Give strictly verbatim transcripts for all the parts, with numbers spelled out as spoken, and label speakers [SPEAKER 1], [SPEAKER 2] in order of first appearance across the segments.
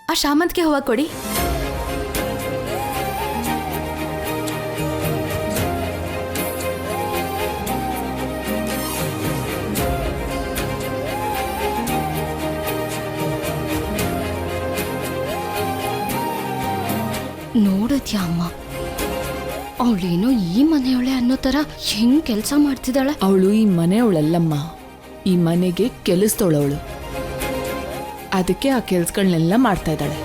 [SPEAKER 1] ಆ ಶಾಮಂತಿಗೆ ಹೂವ ಕೊಡಿ.
[SPEAKER 2] ನೋಡದ್ಯಾ ಅಮ್ಮ, ಅವಳೇನೋ ಈ ಮನೆಯವಳೆ ಅನ್ನೋ ತರ ಹೆಂಗ್ ಕೆಲಸ ಮಾಡ್ತಿದ್ದಾಳೆ.
[SPEAKER 3] ಅವಳು ಈ ಮನೆಯವಳಲ್ಲಮ್ಮ, ಈ ಮನೆಗೆ ಕೆಲಸದವಳವಳು. ಅದಕ್ಕೆ ಆ ಕೆಲ್ಸಗಳನ್ನೆಲ್ಲ ಮಾಡ್ತಾ ಇದ್ದಾಳೆ.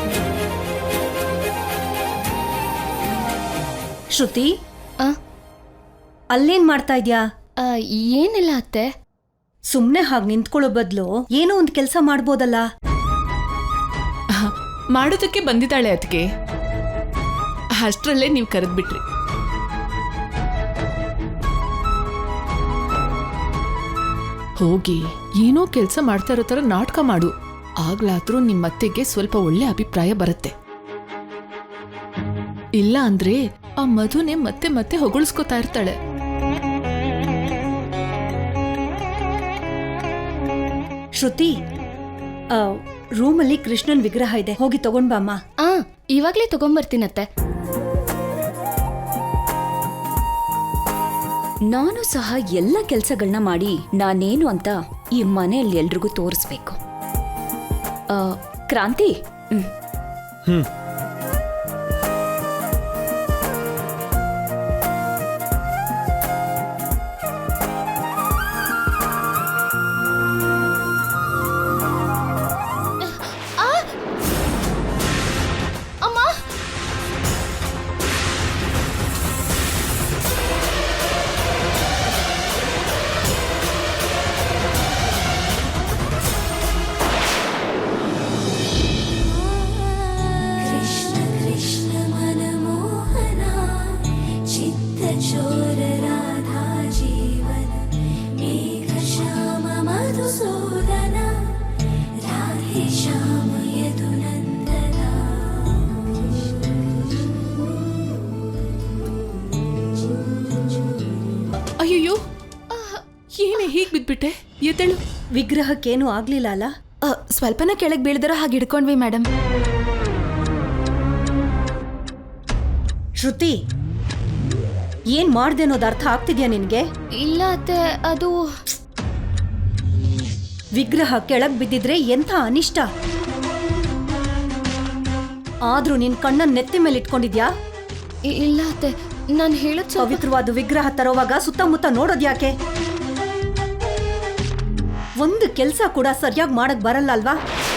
[SPEAKER 4] ಶ್ರುತಿ,
[SPEAKER 2] ಆ
[SPEAKER 4] ಅಲ್ಲೇನ್ ಮಾಡ್ತಾ ಇದ್ಯಾ?
[SPEAKER 2] ಆ, ಏನಿಲ್ಲ ಅತ್ತೆ.
[SPEAKER 4] ಸುಮ್ನೆ ಹಾಗೆ ನಿಂತ್ಕೊಳ್ಳೋ ಬದಲು ಏನೋ ಒಂದು ಕೆಲಸ ಮಾಡ್ಬೋದಲ್ಲ.
[SPEAKER 3] ಮಾಡೋದಕ್ಕೆ ಬಂದಿದ್ದಾಳೆ ಅದಕ್ಕೆ. ಅಷ್ಟರಲ್ಲೇ ನೀವು ಕರೆದ್ಬಿಟ್ರಿ. ಹೋಗಿ ಏನೋ ಕೆಲಸ ಮಾಡ್ತಾ ಇರೋ ತರ ನಾಟಕ ಮಾಡು. ಆಗ್ಲಾದ್ರೂ ನಿಮ್ಮತ್ತೆಗೆ ಸ್ವಲ್ಪ ಒಳ್ಳೆ ಅಭಿಪ್ರಾಯ ಬರುತ್ತೆ. ಇಲ್ಲ ಅಂದ್ರೆ ಆ ಮಧುನೆ ಮತ್ತೆ ಮತ್ತೆ ಹೊಗಳಿಸ್ಕೊತಾ ಇರ್ತಾಳೆ.
[SPEAKER 4] ಶ್ರುತಿ, ರೂಮಲ್ಲಿ ಕೃಷ್ಣನ್ ವಿಗ್ರಹ ಇದೆ, ಹೋಗಿ ತಗೊಂಡ್ ಬಾಮ್ಮ.
[SPEAKER 2] ಆ ಇವಾಗ್ಲೇ ತಗೊಂಬರ್ತೀನತ್ತೆ.
[SPEAKER 5] ನಾನು ಸಹ ಎಲ್ಲ ಕೆಲಸಗಳನ್ನ ಮಾಡಿ ನಾನೇನು ಅಂತ ಈ ಮನೆಯಲ್ಲಿ ಎಲ್ರಿಗೂ ತೋರಿಸ್ಬೇಕು. ಕ್ರಾಂತಿ, ಹ್ಮ್
[SPEAKER 6] ಹ್ಮ್
[SPEAKER 3] ಅಯ್ಯೋ, ಏನೇ ಹೀಗ್ ಬಿದ್ಬಿಟ್ಟೆ? ಎದ್ದೇಳು.
[SPEAKER 4] ವಿಗ್ರಹಕ್ಕೇನು ಆಗ್ಲಿಲ್ಲ ಅಲ್ಲ?
[SPEAKER 1] ಸ್ವಲ್ಪನ ಕೆಳಗೆ ಬೀಳಿದಿರೋ ಹಾಗೆ ಹಿಡ್ಕೊಂಡ್ವಿ ಮೇಡಮ್.
[SPEAKER 4] ಶ್ರುತಿ, ಏನ್ ಮಾಡ್ದೆ ಅನ್ನೋದು ಅರ್ಥ ಆಗ್ತಿದ್ಯಾ ನಿನ್ಗೆ?
[SPEAKER 2] ಇಲ್ಲ ಅತ್ತೆ, ಅದು
[SPEAKER 4] ವಿಗ್ರಹ ಕೆಳಗ್ ಬಿದ್ದಿದ್ರೆ ಎಂಥ ಅನಿಷ್ಟ. ಆದ್ರೂ ನಿನ್ ಕಣ್ಣನ್ ನೆತ್ತಿ ಮೇಲೆ ಇಟ್ಕೊಂಡಿದ್ಯಾ?
[SPEAKER 2] ಇಲ್ಲ ಅತ್ತೆ, ನಾನು ಹೇಳೋದ್ ಸ್ವಲ್ಪ
[SPEAKER 4] ಪವಿತ್ರವಾದ ವಿಗ್ರಹ ತರೋವಾಗ ಸುತ್ತಮುತ್ತ ನೋಡೋದ್ಯಾಕೆ? ಒಂದು ಕೆಲ್ಸ ಕೂಡ ಸರಿಯಾಗಿ ಮಾಡಕ್ ಬರಲ್ಲ ಅಲ್ವಾ?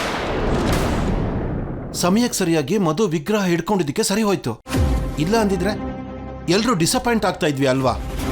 [SPEAKER 6] ಸಮಯಕ್ಕೆ ಸರಿಯಾಗಿ ಮಧು ವಿಗ್ರಹ ಹಿಡ್ಕೊಂಡಿದ್ದಕ್ಕೆ ಸರಿ ಹೋಯ್ತು. ಇಲ್ಲ ಅಂದಿದ್ರೆ ಎಲ್ರೂ ಡಿಸಪಾಯಿಂಟ್ ಆಗ್ತಾ ಇದ್ವಿ ಅಲ್ವಾ?